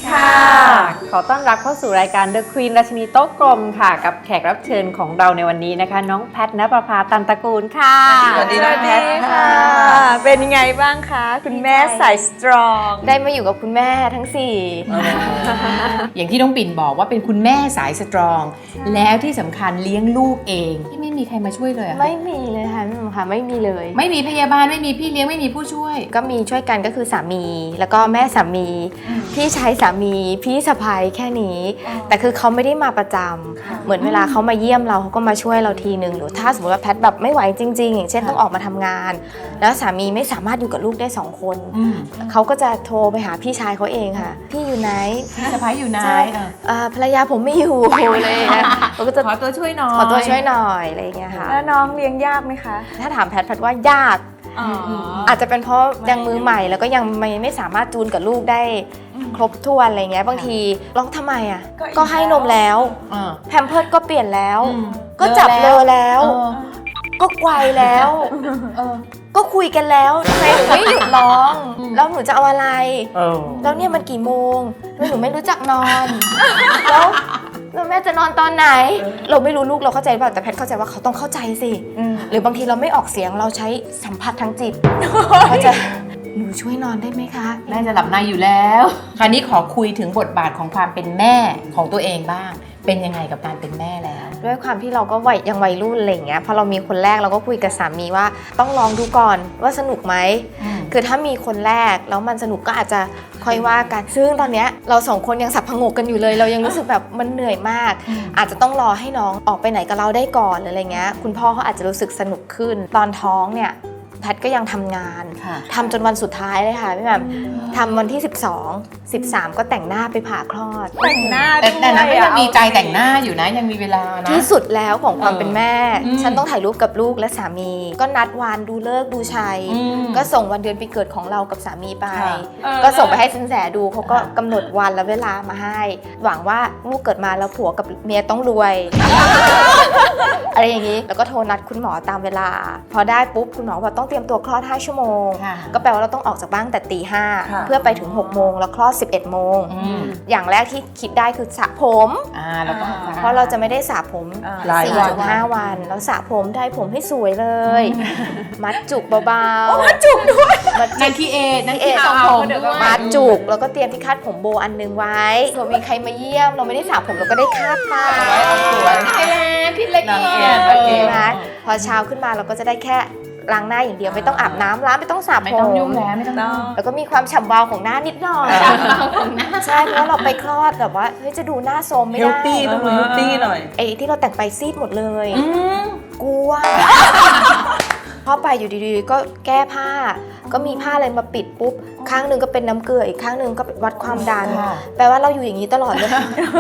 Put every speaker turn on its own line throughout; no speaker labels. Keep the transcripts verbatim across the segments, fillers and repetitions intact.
ค่ะขอต้อนรับเข้าสู่รายการ The Queen ราชินีโต๊ะกลมค่ะกับแขกรับเชิญของเราในวันนี้นะคะน้องแพทณประภาตันตระกูลค่ะ
สวัสดีน้องแพทค่ะเป็นยังไงบ้างคะคุณแม่สายสตรอง
ได้มาอยู่กับคุณแม่ทั้งสี่
อย่างที่น้องปิ่นบอกว่าเป็นคุณแม่สายสตรองแล้วที่สำคัญเลี้ยงลูกเองที่ไม่มีใครมาช่วยเลยอะ
ไม่มีเลยค่ะพี่หนุ่มค่ะไม่มีเลย
ไม่มีพยาบาลไม่มีพี่เลี้ยงไม่มีผู้ช่วย
ก็มีช่วยกันก็คือสามีแล้วก็แม่สามีพี่ชายสามีพี่สะใภ้แค่นี้แต่คือเขาไม่ได้มาประจำเหมือนเวลาเขามาเยี่ยมเราเขาก็มาช่วยเราทีนึงหรือถ้าสมมติว่าแพทแบบไม่ไหวจริงๆอย่างเช่นต้องออกมาทำงานแล้วสามีไม่สามารถอยู่กับลูกได้สองคนเขาก็จะโทรไปหาพี่ชายเขาเองค่ะพี่อยู่ไหน
พี่สะใภ้อยู่ไหน
ภรรยาผมไม่อยู่เลยนะเขาก็จะ
ขอตัวช่วยหน่อย
ขอตัวช่วยหน่อยอะไรอย่างเงี้ยค่ะ
แล้วน้องเลี้ยงยากไหมคะ
ถ้าถามแพทแพทว่ายากอาจจะเป็นเพราะยังมือใหม่แล้วก็ยังไม่ไม่สามารถจูนกับลูกได้ครบถ้วนอะไรเงี้ยบางทีร้องทำไมอ่ะก็ให้นมแล้วแพมเพิร์สก็เปลี่ยนแล้วก็จับเลอแล้วก็ไกวแล้วก็คุยกันแล้วทำไมหนูไม่หยุดร้องแล้วหนูจะเอาอะไรแล้วเนี่ยมันกี่โมงทำไมหนูไม่รู้จักนอนแล้วแล้วแม่จะนอนตอนไหนเราไม่รู้ลูกเราเข้าใจป่ะแต่แพทเข้าใจว่าเขาต้องเข้าใจสิหรือบางทีเราไม่ออกเสียงเราใช้สัมผัสทางจิตเขาจะหนูช่วยนอนได้ไหมคะ
แม่จะหลับในอยู่แล้วคราวนี้ขอคุยถึงบทบาทของความเป็นแม่ของตัวเองบ้างเป็นยังไงกับการเป็นแม่แล้ว
ด้วยความที่เราก็วัยยังวัยรุ่นอะไรอย่างเงี้ยพอเรามีคนแรกเราก็คุยกับสามีว่าต้องลองดูก่อนว่าสนุกไหมคือถ้ามีคนแรกแล้วมันสนุกก็อาจจะค่อยว่ากันซึ่งตอนเนี้ยเราสองคนยังสับพงกกันอยู่เลยเรายังรู้สึกแบบมันเหนื่อยมากอาจจะต้องรอให้น้องออกไปไหนกับเราได้ก่อนหรืออะไรเงี้ยคุณพ่อเขาอาจจะรู้สึกสนุกขึ้นตอนท้องเนี่ยแพทก็ยังทำงานทำจนวันสุดท้ายเลยค่ะพี่แหม่มทำวันที่สิบสอง สิบสามก็แต่งหน้าไปผ่าคลอด
แต่งหน้า
แต่แต่นั้นก็ยังมีใจแต่งหน้าอยู่นะยังมีเวลานะ
ที่สุดแล้วของความเป็นแม่ฉันต้องถ่ายรูปกับลูกและสามีก็นัดวันดูเลิกษ์ดูชัยก็ส่งวันเดือนปีเกิดของเรากับสามีไปก็ส่งไปให้สินแสดูเขาก็กำหนดวันและเวลามาให้หวังว่าลูกเกิดมาแล้วผัวกับเมียต้องรวยอะไรอย่างนี้แล้วก็โทรนัดคุณหมอตามเวลาพอได้ปุ๊บคุณหมอบอกต้องเตรียมตัวคลอดห้าชั่วโมงก็แปลว่าเราต้องออกจากบ้านแต่ตีห้าเพื่อไปถึงหกโมงแล้วคลอดสิบเอ็ดโมงอย่างแรกที่คิดได้คือสระผมเพราะเราจะไม่ได้สระผม สี่ถึงห้า วันแล้วสระผมได้ผมให้สวยเลยมัดจุกเบาๆ
มัดจุกด้วยนั่นที่เอนั่นที่ทำผม
มัดจุกแล้วก็เตรียมที่คาดผมโบอันนึงไว้เผื่อมีใครมาเยี่ยมเราไม่ได้สระผมเราก็ได้คาดไป
สวยพี่เล็กเนี่ย
นะพอเช้าขึ้นมาเราก็จะได้แค่ล้างหน้าอย่างเดียวไม่ต้องอาบน้ำล้างไม่ต้องสระผม
ไม่ต้องยุ่งแล้วไม่ต้อง
แล้วก็มีความฉ่ำวาวของหน้านิดหน่อยใช่เพราะเราไปคลอดแบบว่าเฮ้ยจะดูหน้าโซมไม่ได้
เฮลตี้ต้องเฮลตี้หน่อย
ไอ้ที่เราแต่งไปซีดหมดเลยกลัวพอไปอยู่ดีๆก็แก้ผ้าก็มีผ้าอะไรมาปิดปุ๊บข้างนึงก็เป็นน้ำเกลืออีกข้างนึงก็วัดความดันแปลว่าเราอยู่อย่างนี้ตลอดเลย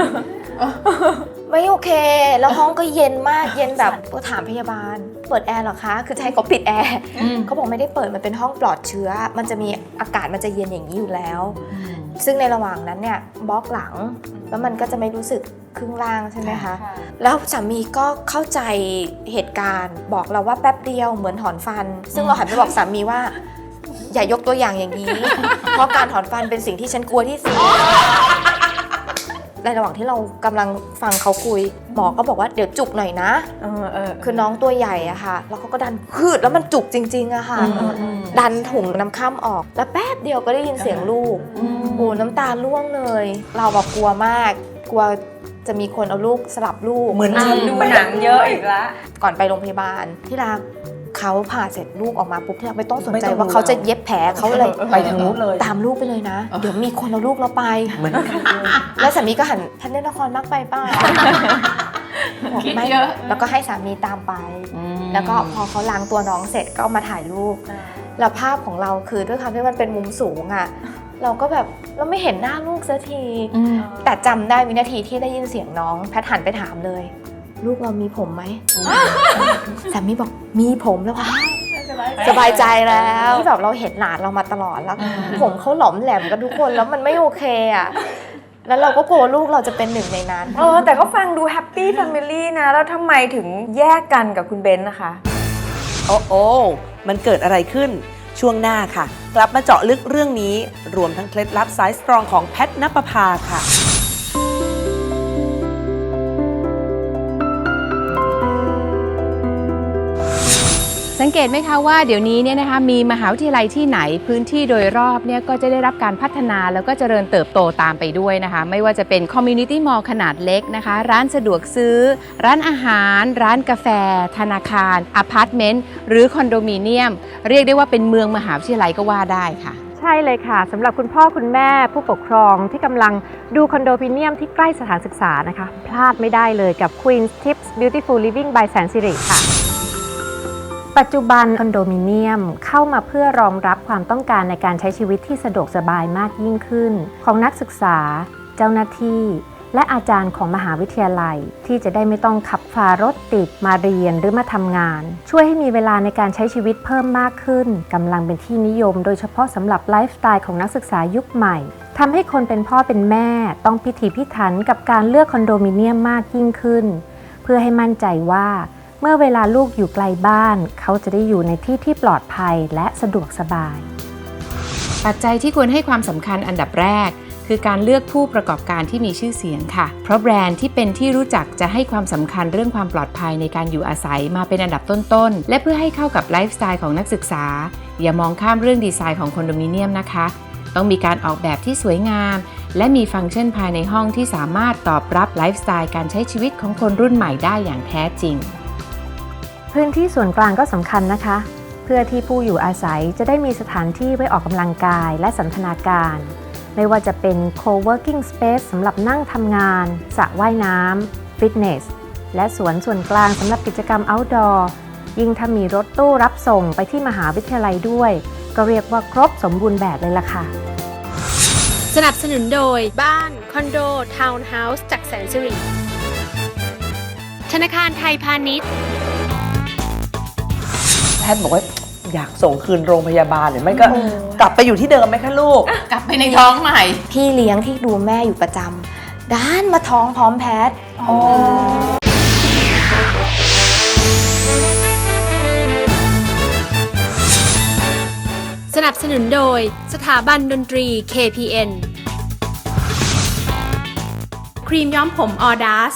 ไม่โอเคแล้วห้องก็เย็นมากเย็นแบบก็ถามพยาบาลเปิดแอร์หรอคะคือใช้เขาปิดแอร์เขาบอกไม่ได้เปิดมันเป็นห้องปลอดเชื้อมันจะมีอากาศมันจะเย็นอย่างนี้อยู่แล้วซึ่งในระหว่างนั้นเนี่ยบล็อกหลังแล้วมันก็จะไม่รู้สึกครึ่งล่างใช่ไหมคะแล้วสามีก็เข้าใจเหตุการณ์บอกเราว่าแป๊บเดียวเหมือนถอนฟันซึ่งเราหันไปบอกสามีว่าอย่ายกตัวอย่างอย่างนี้เพราะการถอนฟันเป็นสิ่งที่ฉันกลัวที่สุดในระหว่างที่เรากำลังฟังเขาคุยหมอก็บอกว่าเดี๋ยวจุกหน่อยนะเออเออคือน้องตัวใหญ่อะค่ะแล้วเขาก็ดันพืดแล้วมันจุกจริงๆอะค่ะดันถุงน้ำข้ามออกแล้วแป๊บเดียวก็ได้ยินเสียงลูกโอ้น้ำตาร่วงเลยเราแบบกลัวมากกลัวจะมีคนเอาลูกสลับลูก
เหมือนดูหนังเยอะอีกแล้ว
ก่อนไปโรงพยาบาลที่รักเขาผ่าเสร็จลูกออกมาปุ๊บที่เราไม่ต้องสนใจว่าเขาจะเย็บแผลเขาเลย
ไปทางนู้นเลย
ตามลูกไปเลยนะเดี๋ยวมีคนเอาลูกเราไปเหมือนแล้วสามีก็หันท่านเล่นละครมากไปป้าไม่แล้วก็ให้สามีตามไปแล้วก็พอเขาล้างตัวน้องเสร็จก็มาถ่ายรูปแล้วภาพของเราคือด้วยความที่มันเป็นมุมสูงอ่ะเราก็แบบเราไม่เห็นหน้าลูกสักทีแต่จำได้วินาทีที่ได้ยินเสียงน้องแพทหันไปถามเลยลูกเรามีผมไหมสามีบอกมีผมแล้วค่ะสบายใจแล้วที่แบบเราเห็นหลานเรามาตลอดแล้วผมเขาหลอมแหลมกันทุกคนแล้วมันไม่โอเคอ่ะแล้วเราก็กลัวลูกเราจะเป็นหนึ่งในนั้น
เออแต่ก็ฟังดูแฮปปี้แฟมิลี่นะแล้วทำไมถึงแยกกันกับคุณเบนซ์นะคะ
โอ้โอ้มันเกิดอะไรขึ้นช่วงหน้าค่ะ กลับมาเจาะลึกเรื่องนี้รวมทั้งเคล็ดลับสายสตรองของแพทณปภาค่ะ
สังเกตไหมคะว่าเดี๋ยวนี้เนี่ยนะคะมีมหาวิทยาลัยที่ไหนพื้นที่โดยรอบเนี่ยก็จะได้รับการพัฒนาแล้วก็เจริญเติบโตตามไปด้วยนะคะไม่ว่าจะเป็นคอมมูนิตี้มอลล์ขนาดเล็กนะคะร้านสะดวกซื้อ ร้านอาหาร ร้านกาแฟ ธนาคารอพาร์ตเมนต์หรือคอนโดมิเนียมเรียกได้ว่าเป็นเมืองมหาวิทยาลัยก็ว่าได้ค่ะ
ใช่เลยค่ะสำหรับคุณพ่อคุณแม่ผู้ปกครองที่กำลังดูคอนโดมิเนียมที่ใกล้สถานศึกษานะคะพลาดไม่ได้เลยกับ Queen's Tips Beautiful Living by แสนสิริค่ะปัจจุบันคอนโดมิเนียมเข้ามาเพื่อรองรับความต้องการในการใช้ชีวิตที่สะดวกสบายมากยิ่งขึ้นของนักศึกษาเจ้าหน้าที่และอาจารย์ของมหาวิทยาลัยที่จะได้ไม่ต้องขับฝ่ารถติดมาเรียนหรือมาทำงานช่วยให้มีเวลาในการใช้ชีวิตเพิ่มมากขึ้นกำลังเป็นที่นิยมโดยเฉพาะสำหรับไลฟ์สไตล์ของนักศึกษายุคใหม่ทำให้คนเป็นพ่อเป็นแม่ต้องพิถีพิถันกับการเลือกคอนโดมิเนียมมากยิ่งขึ้นเพื่อให้มั่นใจว่าเมื่อเวลาลูกอยู่ไกลบ้านเขาจะได้อยู่ในที่ที่ปลอดภัยและสะดวกสบาย
ปัจจัยที่ควรให้ความสำคัญอันดับแรกคือการเลือกผู้ประกอบการที่มีชื่อเสียงค่ะเพราะแบรนด์ที่เป็นที่รู้จักจะให้ความสำคัญเรื่องความปลอดภัยในการอยู่อาศัยมาเป็นอันดับต้นๆและเพื่อให้เข้ากับไลฟ์สไตล์ของนักศึกษาอย่ามองข้ามเรื่องดีไซน์ของคอนโดมิเนียมนะคะต้องมีการออกแบบที่สวยงามและมีฟังก์ชันภายในห้องที่สามารถตอบรับไลฟ์สไตล์การใช้ชีวิตของคนรุ่นใหม่ได้อย่างแท้จริง
พื้นที่ส่วนกลางก็สำคัญนะคะเพื่อที่ผู้อยู่อาศัยจะได้มีสถานที่ไว้ออกกำลังกายและสันทนาการไม่ว่าจะเป็น co-working space สำหรับนั่งทำงานสระว่ายน้ำฟิตเนสและสวนส่วนกลางสำหรับกิจกรรม outdoor ยิ่งถ้ามีรถตู้รับส่งไปที่มหาวิทยาลัยด้วยก็เรียกว่าครบสมบูรณ์แบบเลยล่ะค่ะ
สนับสนุนโดยบ้านคอนโดทาวน์เฮาส์จากแสนสิริธนาคารไทยพาณิชย์
แพทย์บอกว่าอยากส่งคืนโรงพยาบาลหรือไม่ก็กลับไปอยู่ที่เดิมไหมคะลูก
กลับไปในท้องใหม่
พี่เลี้ยงที่ดูแม่อยู่ประจำด้านมาท้องพร้อมแพทย์
สนับสนุนโดยสถาบันดนตรี เค พี เอ็น ครีมย้อมผมออดัส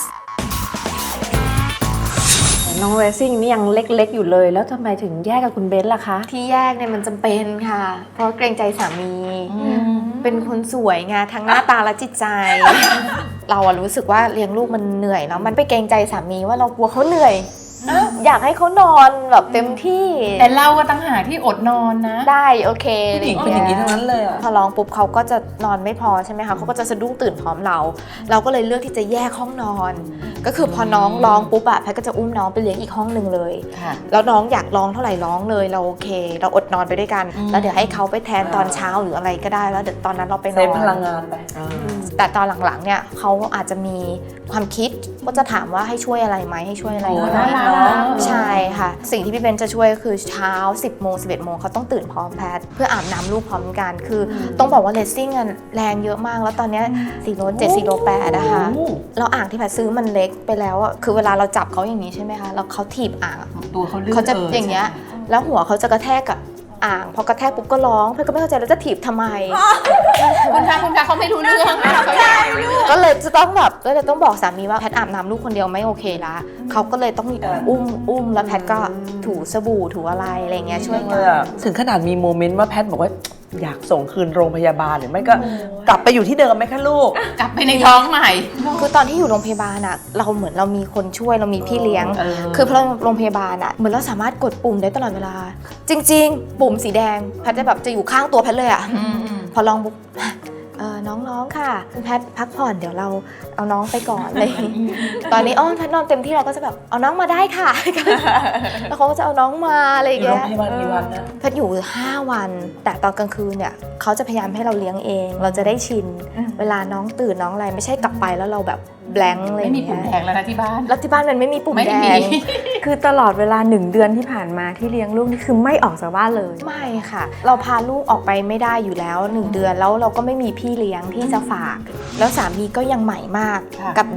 น้องเรซิ่งนี่ยังเล็กๆอยู่เลยแล้วทำไมถึงแยกกับคุณเบนซ์ล่ะคะ
ที่แยกเนี่ยมันจำเป็นค่ะเพราะเกรงใจสามีเป็นคนสวยไงทั้งหน้าตาและจิตใจ เราอะรู้สึกว่าเลี้ยงลูกมันเหนื่อยเนาะมันไปเกรงใจสามีว่าเรากลัวเขาเหนื่อยอยากให้เขานอนแบบเต็มที่
แต่เราก็ตั้งหาที่อดนอนนะ
ได้โอเค
ผู้หญิงเป็นอย่างนี้ทั้งนั้นเลยอะ
พอร้องปุ๊บเขาก็จะนอนไม่พอใช่ไหมคะเขาก็จะสะดุ้งตื่นพร้อมเราเราก็เลยเลือกที่จะแยกห้องนอนก็คือพอน้องร้องปุ๊บอะแพทก็จะอุ้มน้องไปเลี้ยงอีกห้องหนึ่งเลยแล้วน้องอยากร้องเท่าไหร่ร้องเลยเราโอเคเราอดนอนไปด้วยกันแล้วเดี๋ยวให้เขาไปแทนตอนเช้าหรืออะไรก็ได้แล้วเดี๋ยวตอนนั้นเราไปนอน
เซฟพลังงานไป
แต่ตอนหลังๆเนี่ยเขาอาจจะมีความคิดก็จะถามว่าให้ช่วยอะไรไหมให้ช่วยอะไรไหมใช่ค่ะสิ่งที่พี่เบนจะช่วยก็คือเช้า สิบโมง สิบเอ็ดโมงเขาต้องตื่นพร้อมแพทเพื่ออาบน้ำลูกพร้อมกันคือต้องบอกว่าเลสซิ่งแรงเยอะมากแล้วตอนนี้สี่โลเจ็ด สี่โลแปดนะคะเราอ่างที่แพทซื้อมันเล็กไปแล้วอ่ะคือเวลาเราจับเขาอย่างนี้ใช่ไหมคะแล้วเขาถีบอ่าง
ตัวเขาลื่น
เขาจะอย่างเงี้ยแล้วหัวเขาจะกระแทกกับอ่างพอกระแทกปุ๊บก็ร้องเพื่อนก็ไม่เข้าใจแล้วจะถีบทำไม
คุณคะคุณคะเขาไม่รู้เรื่อง
ก็เลยจะต้องแบบก็เลยต้องบอกสามีว่าแพทอาบน้ำลูกคนเดียวไม่โอเคละเขาก็เลยต้องอุ้มอุ้มแล้วแพทก็ถูสบู่ถูอะไรอะไรเงี้ยช่วยกัน
ถึงขนาดมีโมเมนต์ว่าแพทบอกว่าอยากส่งคืนโรงพยาบาลหรือไม่ก็กลับไปอยู่ที่เดิมไหมคะลูก
กลับไปในท้องใหม่
คือตอนที่อยู่โรงพยาบาลอะเราเหมือนเรามีคนช่วยเรามีพี่เลี้ยงคือพอโรงพยาบาลอะเหมือนเราสามารถกดปุ่มได้ตลอดเวลาจริงๆปุ่มสีแดงแพทจะแบบจะอยู่ข้างตัวแพทเลยอะพอลองปุ๊บน้องๆค่ะคุณแพทพักผ่อนเดี๋ยวเราเอาน้องไปก่อนเลยตอนนี้อ้อแพทนอนเต็มที่เราก็จะแบบเอาน้องมาได้ค่ะแล้วเขาก็จะเอาน้องมาอะไรอย่างเงี้ยแพทอยู่ห้าวันแต่ตอนกลางคืนเนี่ยเขาจะพยายามให้เราเลี้ยงเองเราจะได้ชินเวลาน้องตื่นน้องอะไรไม่ใช่กลับไปแล้วเราแบบแบงค์เลย
ไม่มีปุ่มแดงแล้วนะที่บ้าน
แล้วที่บ้านมันไม่มีปุ่มแดง
คือตลอดเวลาหนึ่งเดือนที่ผ่านมาที่เลี้ยงลูกนี่คือไม่ออกจากบ้านเลย
ไม่ค่ะเราพาลูกออกไปไม่ได้อยู่แล้วหนึ่งเดือนแล้วเราก็ไม่มีพี่เลี้ยงที่จะฝากแล้วสามีก็ยังใหม่มากกับเด็ก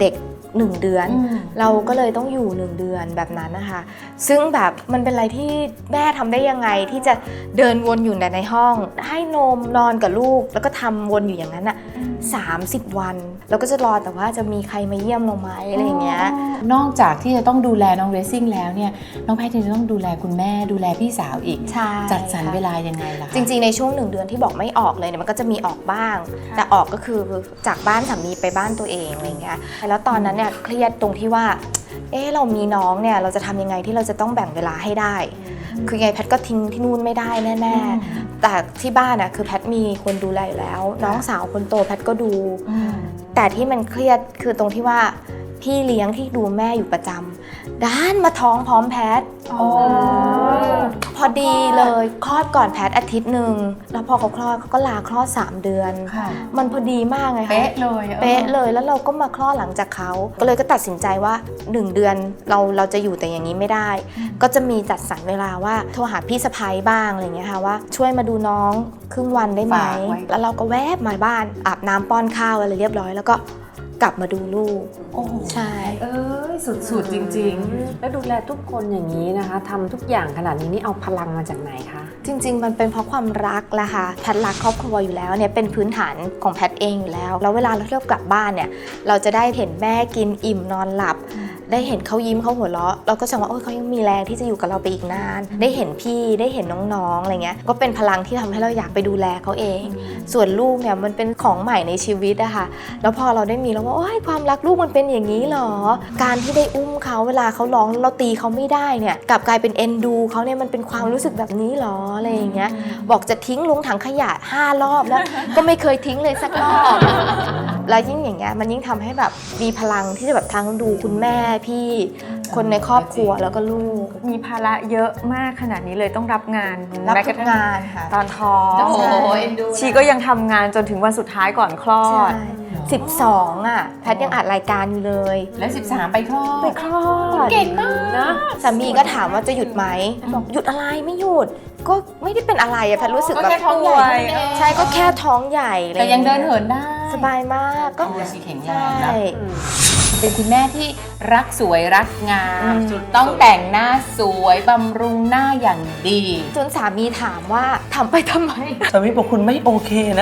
หนึ่งเดือน เราก็เลยต้องอยู่หนึ่งเดือนแบบนั้นนะคะซึ่งแบบมันเป็นอะไรที่แม่ทำได้ยังไงที่จะเดินวนอยู่แต่ในห้องให้นมนอนกับลูกแล้วก็ทำวนอยู่อย่างนั้นอ่ะสามสิบวันแล้วก็จะรอแต่ว่าจะมีใครมาเยี่ยมเราไหมอะไรอย่างเงี้ย
นอกจากที่จะต้องดูแลน้องเรซซิ่งแล้วเนี่ยน้องแพทย์จะต้องดูแลคุณแม่ดูแลพี่สาวอีก
ใช่
จัดสรร
ค่ะ
เวลายังไงล่ะคะ
จริงๆในช่วงหนึ่งเดือนที่บอกไม่ออกเลยเนี่ยมันก็จะมีออกบ้าง แต่ออกก็คือจากบ้านสามีไปบ้านตัวเองอะไรเงี้ยแล้วตอนนั้นเนี่ยเครียดตรงที่ว่าเออเรามีน้องเนี่ยเราจะทำยังไงที่เราจะต้องแบ่งเวลาให้ได้คือไงแพทย์ก็ทิ้งที่นู่นไม่ได้แน่ๆแต่ที่บ้านน่ะคือแพทย์มีคนดูแลอยู่แล้วน้องสาวคนโตแพทย์ก็ดูแต่ที่มันเครียดคือตรงที่ว่าพี่เลี้ยงที่ดูแม่อยู่ประจำด้านมาท้องพร้อมแพทย์พอดีเลยคลอดก่อนแพทย์อาทิตย์หนึ่งแล้วพอเขาคลอดเขาก็ลาคลอดสามเดือนมันพอดีมากไงคะ
เป๊ะเลย
เป๊ะเลยแล้วเราก็มาคลอดหลังจากเขาก็เลยก็ตัดสินใจว่าหนึ่งเดือนเราเราจะอยู่แต่อย่างนี้ไม่ได้ ก็จะมีจัดสรรเวลาว่าโทรหาพี่สะใภ้บ้างอะไรเงี้ยค่ะว่าช่วยมาดูน้องครึ่งวันได้ไหมแล้วเราก็แวบมาบ้านอาบน้ำป้อนข้าวอะไรเรียบร้อยแล้วก็กลับมาดูลูก
โอ้โห
ใช่
เอ้ยสุดๆจริงๆ แล้วดูแลทุกคนอย่างนี้นะคะทำทุกอย่างขนาดนี้นี่เอาพลังมาจากไหนคะ
จริงๆมันเป็นเพราะความรักแหละค่ะแพทย์รักครอบครัวอยู่แล้วเนี่ยเป็นพื้นฐานของแพทย์เองอยู่แล้วแล้วเวลาเราเที่ยวกลับบ้านเนี่ยเราจะได้เห็นแม่กินอิ่มนอนหลับได้เห็นเขายิ้มเขาหัวเราะเราก็จะว่าโอ้ยเขายังมีแรงที่จะอยู่กับเราไปอีกนานได้เห็นพี่ได้เห็นน้องๆอะไรเงี้ยก็เป็นพลังที่ทำให้เราอยากไปดูแลเขาเองส่วนลูกเนี่ยมันเป็นของใหม่ในชีวิตอะค่ะแล้วพอเราได้มีแล้วว่าโอ้ยความรักลูกมันเป็นอย่างนี้หรอการที่ได้อุ้มเขาเวลาเขาร้องเราตีเขาไม่ได้เนี่ยกลับกลายเป็นเอ็นดูเขาเนี่ยมันเป็นความรู้สึกแบบนี้หรออะไรอย่างเงี้ยบอกจะทิ้งลงถังขยะห้ารอบแล้ว ก็ไม่เคยทิ้งเลยสักรอบแล้วยิ่งอย่างเงี้ยมันยิ่งทำให้แบบมีพลังที่จะแบบทั้งดูคุณแม่พี่คนในครอบครัวแล้วก็ลูก
มีภาระเยอะมากขนาดนี้เลยต้องรับงาน
รับ
แม้ก
ทุ
ระ
ก
ทั่ง
งานค่ะ
ตอนท้อง
โอ้โห
ชีก็ยังทำงานจนถึงวันสุดท้ายก่อนคลอ
ใช่
ด
สิบสองอ่ะแพทย์ยังอัดรายการอยู่เลย
แล้วสิบสามไปคลอด
ไปคลอด
เก่งมาก
นะ
สามีก็ถามว่าจะหยุดไหมบอกหยุดอะไรไม่หยุดก็ไม่ได้เป็นอะไรอะแพทย์รู้สึก
ก็
แบบ
แค่ท้องใหญ่เท่านั้นเอง
ใช่ก็แค่ท้องใหญ่อะไร
แต่ยังเดินเหินได้
สบายมากก็
ตัวชีแข็งแร
ใช่
งนะเป็นคุณแม่ที่รักสวยรักงามต้องแต่งหน้าสวยบำรุงหน้าอย่างดี
จนสามีถามว่าทำไปทำไม
สามีบอกคุณไม่โอเคนะ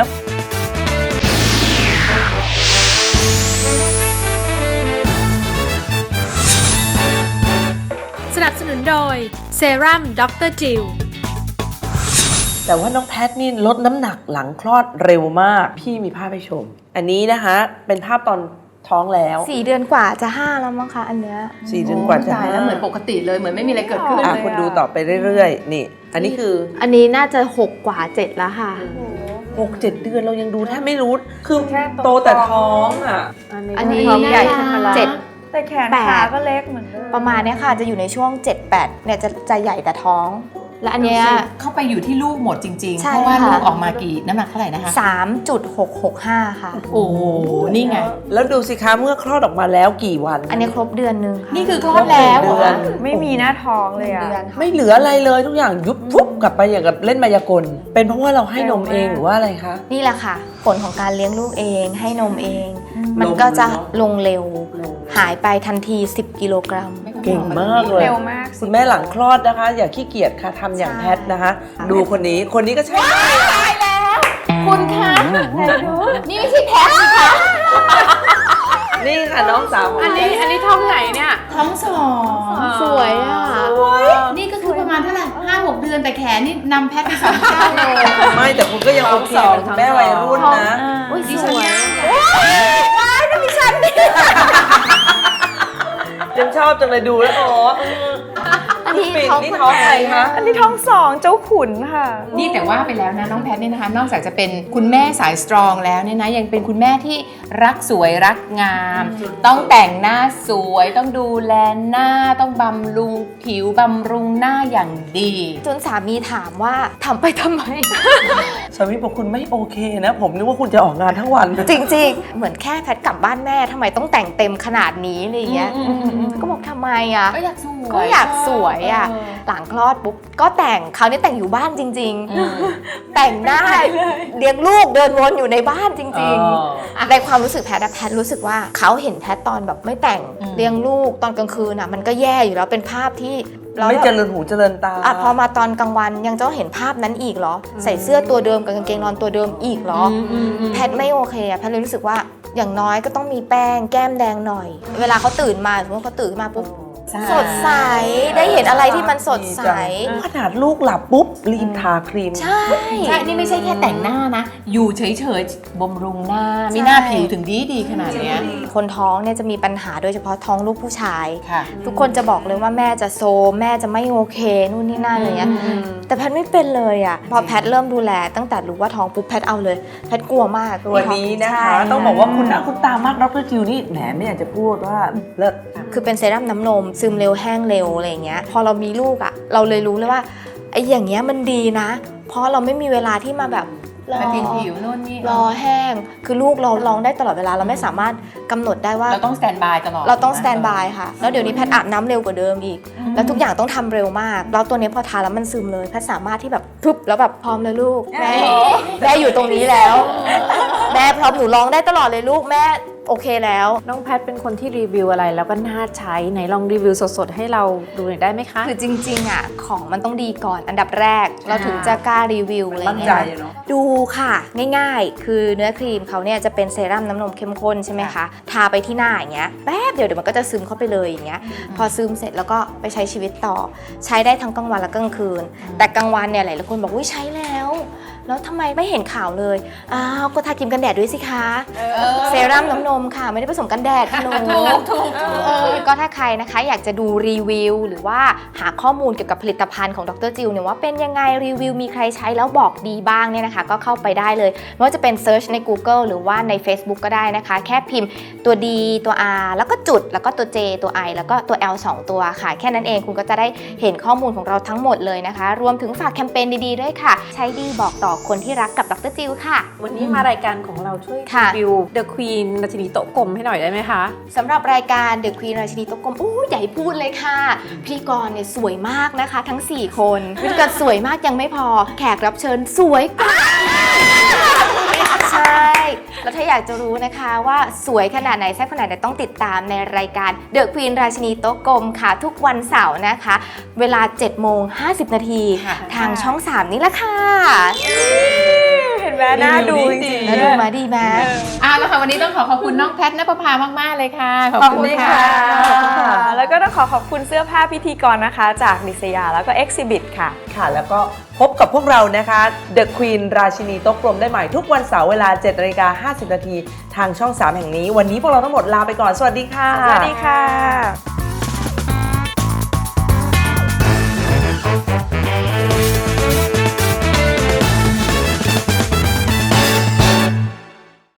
สนับสนุนโดยเซรั่มด็อกเตอร์จิล
แต่ว่าน้องแพทนี่ลดน้ำหนักหลังคลอดเร็วมาก พี่มีภาพให้ชม อันนี้นะคะเป็นภาพตอนท้องแล้ว
สี่เดือนกว่าจะห้าแล้วมั้งคะอันเนี้ย
สี่เดือนกว่าจะ
ตายแล้วเหมือนปกติเลยเหมือนไม่มีอะไรเกิดขึ้น
อ่ะคุณดูต่อไปเรื่อยๆ นี่ อันนี้คือ
อันนี้น่าจะหกกว่าเจ็ดแล้วค่ะ
หกเจ็ดเดือนเรายังดูแทบไม่รู้ คือโตแต่ท้องอ่ะ
อันนี้
ท้องใหญ่ขึ้นมาแล้ว
เจ็ด
แต่แขน
แปด
ขาก็เล็กเหมือนเดิม
ประมาณเนี้ยค่ะจะอยู่ในช่วง เจ็ดแปดเนี่ยจะจะใหญ่แต่ท้อง และอันเนี้ย
เข้าไปอยู่ที่ลูกหมดจริงๆ
ใช่
เพราะว่า
ค่ะ
ลูกออกมากี่น้ำหนักเท่าไหร่นะคะ
สามจุดหกหกห้าค่ะ
โอ้โห นี่ไง
แล้วดูสิคะเมื่อคลอดออกมาแล้วกี่วัน
อันนี้ครบเดือนนึงค่ะ
นี่คือคลอดแล้วเหร
เดือ
อน
ไม่มีหน้าท้องเลยอะ
เดือนค่ะ
ไม่เหลืออะไรเลยทุกอย่างยุบฟุบกลับไปอย่างกับเล่นมายากล เป็นเพราะว่าเราให้นมเองหรือว่าอะไรคะ
นี่แหละค่ะ ผลของการเลี้ยงลูกเองให้นมเอง มัน
ลง
ก็จะ
เนอะ
ลงเร็ว หายไปทันที สิบกิโลกรัม
เก่งมากเลย
เร็วมาก
คุณแม่หลังคลอดนะคะ อย่าขี้เกียจค่ะทำอย่างแพทนะคะ ดูคนนี้คนนี้ก็ใช่ได้
คุณคะนี่ไม่ใช่แพทย์สิคะ
นี่ค่ะน้องสาว
อันนี้อันนี้ท้องไหนเนี่ย
ท้องสอง
สวยอ่ะ
นี่ก็คือประมาณเท่าไหร่ห้าหกเดือนแต่แขนนี่นำแพทย์ไปสองเท่าเลย
ไม่แต่คุณก็ยังโอเคเป็นคุณแม่วัยรุ่นนะ
อุ้ย
ดิ
ส
ฉัน
วย
ยังชอบจังเลยดูแล้วอ๋อ
อันนี้
ปิ่น
ท้อง
นี่
คน
ท้อง
ไห
ใครคะ
อันนี้ท้องสองเจ้าขุนค่ะ
นี่แต่ว่าไปแล้วนะน้องแพทย์เนี่ยนะคะ นอกจากจะเป็นคุณแม่สายสตรองแล้วเนี่ยนะยังเป็นคุณแม่ที่รักสวยรักงาม ต้องแต่งหน้าสวยต้องดูแลหน้าต้องบำรุงผิวบำรุงหน้าอย่างดี
จนสามีถามว่าทำไปทำไม
สามีบอกคุณไม่โอเคนะ ผมนึกว่าคุณจะออกงานทั้งวัน
จริงๆ เหมือนแค่แพทกลับบ้านแม่ทำไมต้องแต่งเต็มขนาดนี้อะไรอย่างเงี้ยก็บอกทำไมอ่ะ
ก็อยากสวย
ก็อยากสวยวยอ่ะหลังคลอดปุ๊บก็แต่งคราวนี้แต่งอยู่บ้านจริงๆ แต่งหน้าเลี้ยงลูกเดินวนอยู่ในบ้านจริงๆในความรู้สึกแพทย์แพทย์รู้สึกว่าเขาเห็นแพทย์ตอนแบบไม่แต่งเลี้ยงลูกตอนกลางคืนอ่ะมันก็แย่อยู่แล้วเป็นภาพที่
ไม่เจริญหูเจริญตา
อ่ะพอมาตอนกลางวันยังจะเห็นภาพนั้นอีกเหรอใส่เสื้อตัวเดิมกับกางเกงนอนตัวเดิมอีกเหรอแพทย์ไม่โอเคอ่ะแพทย์เลยรู้สึกว่าอย่างน้อยก็ต้องมีแป้งแก้มแดงหน่อยเวลาเขาตื่นมาสมมติเขาตื่นมาปุ๊บสดใสได้เห็นอะไรที่มันสดใส
ขนาดลูกหลับปุ๊บรีบทาครีม
ใช่
ใช่นี่ไม่ใช่แค่แต่งหน้านะอยู่เฉยๆบำรุงหน้ามีหน้าผิวถึงดีดีขนาดเนี้ย
คนท้องเนี่ยจะมีปัญหาโดยเฉพาะท้องลูกผู้ชายทุกคนจะบอกเลยว่าแม่จะโซมแม่จะไม่โอเคนู่นนี่นั่นอะไรเงี้ยแต่แพทย์ไม่เป็นเลยอ่ะพอแพทย์เริ่มดูแลตั้งแต่รู้ว่าท้องปุ๊บแพทย์เอาเลยแพทย์กลัวมาก
ตัวนี้นะคะต้องบอกว่าคุณนะคุณตามากดร.จิวนี่แหมไม่อยากจะพูดว่าเลิศ
คือเป็นเซรั่มน้ำนมซึมเร็วแห้งเร็วอะไรเงี้ยพอเรามีลูกอ่ะเราเลยรู้เลยว่าไอ้อย่างเงี้ยมันดีนะเพราะเราไม่มีเวลาที่มาแบบรอ
ผิวโน่นนี่
รอแห้งคือลูกเราลองได้ตลอดเวลาเราไม่สามารถกำหนดได้ว่า
เราต้องสแตนบายตลอด
เราต้องสแตนบายค่ะแล้วเดี๋ยวนี้แพทย์อาบน้ำเร็วกว่าเดิมอีกแล้วทุกอย่างต้องทำเร็วมากแล้วตัวนี้พอทาแล้วมันซึมเลยแพทย์สามารถที่แบบพึบแล้วแบบพร้อมเลยลูกแม่แม่อยู่ตรงนี้แล้วแม่พร้อมหนูร้องได้ตลอดเลยลูกแม่โอเคแล้ว
น้องแพทเป็นคนที่รีวิวอะไรแล้วก็น่าใช้ไหนลองรีวิวสดๆให้เราดูหน่อยได้ไหมคะ
คือจริงๆอ่ะของมันต้องดีก่อนอันดับแรกเราถึงจะกล้ารีวิวอะไรเงี้ยดูค่ะง่ายๆคือเนื้อครีมเขาเนี่ยจะเป็นเซรั่มน้ำนมเข้มข้นใช่ไหมคะทาไปที่หน้าอย่างเงี้ยแป๊บเดียวเดี๋ยวมันก็จะซึมเข้าไปเลยอย่างเงี้ยพอซึมเสร็จแล้วก็ไปใช้ชีวิตต่อใช้ได้ทั้งกลางวันและกลางคืนแต่กลางวันเนี่ยหลายๆคนบอกว่าใช้แล้วแล้วทำไมไม่เห็นข่าวเลยอ้าวก็ทาครีมกันแดดด้วยสิคะเซรั่มน้ำนมค่ะไม่ได้ผสมกันแดดค่ะหนูก็ถ้าใครนะคะอยากจะดูรีวิวหรือว่าหาข้อมูลเกี่ยวกับผลิตภัณฑ์ของดร.จิวเนี่ยว่าเป็นยังไงรีวิวมีใครใช้แล้วบอกดีบ้างเนี่ยนะคะก็เข้าไปได้เลยไม่ว่าจะเป็นเซิร์ชใน Google หรือว่าใน Facebook ก็ได้นะคะแค่พิมพ์ตัว D ตัว R แล้วก็จุดแล้วก็ตัว J ตัว I แล้วก็ตัว L สองตัวค่ะแค่นั้นเองคุณก็จะได้เห็นข้อมูลของเราทั้งหมดเลยนะคะรวมถึงฝากแคมเปญดีๆด้วยค่ะใช้ดีบอกต่อคนที่รักกับดร.จิวค่ะ
วันนี้มารายการของเราช่วยรีวิว The Queen ราชินีโต๊ะกลมให้หน่อยได้ไหมคะ
สำหรับรายการ The Queen ราชินีโต๊ะกลมโอ้ใหญ่พูดเลยค่ะพิธีกรเนี่ยสวยมากนะคะทั้งสี่คนพิธีกรสวยมากยังไม่พอแขกรับเชิญสวยกว่าใช่แล้วถ้าอยากจะรู้นะคะว่าสวยขนาดไหนแซ่บขนาดไหนต้องติดตามในรายการ The Queen ราชินีโต๊ะกลมค่ะทุกวันเสาร์นะคะเวลา เจ็ดโมงห้าสิบ นาทีทางช่องสามนี่แหละค่ะ
เห็นไหมน่าดูจริงๆ
น่าดูมาดีไหม
อ่ะแล้วค่ะวันนี้ต้องขอขอบคุณน้องแพทณปภามากๆเลยค่ะ
ขอบคุณค่ะแล้วก็ต้องขอขอบคุณเสื้อผ้าพิธีกรนะคะจากดิษยาแล้วก็ Exhibit ค่ะ
ค่ะแล้วก็พบกับพวกเรานะคะ The Queen ราชินีโต๊ะกลมได้ใหม่ทุกวันเสาร์เวลา เจ็ดนาฬิกาห้าสิบ นาทีทางช่องสามแห่งนี้วันนี้พวกเราทั้งหมดลาไปก่อนสวัสดีค่ะ
สวัสดีค่ะ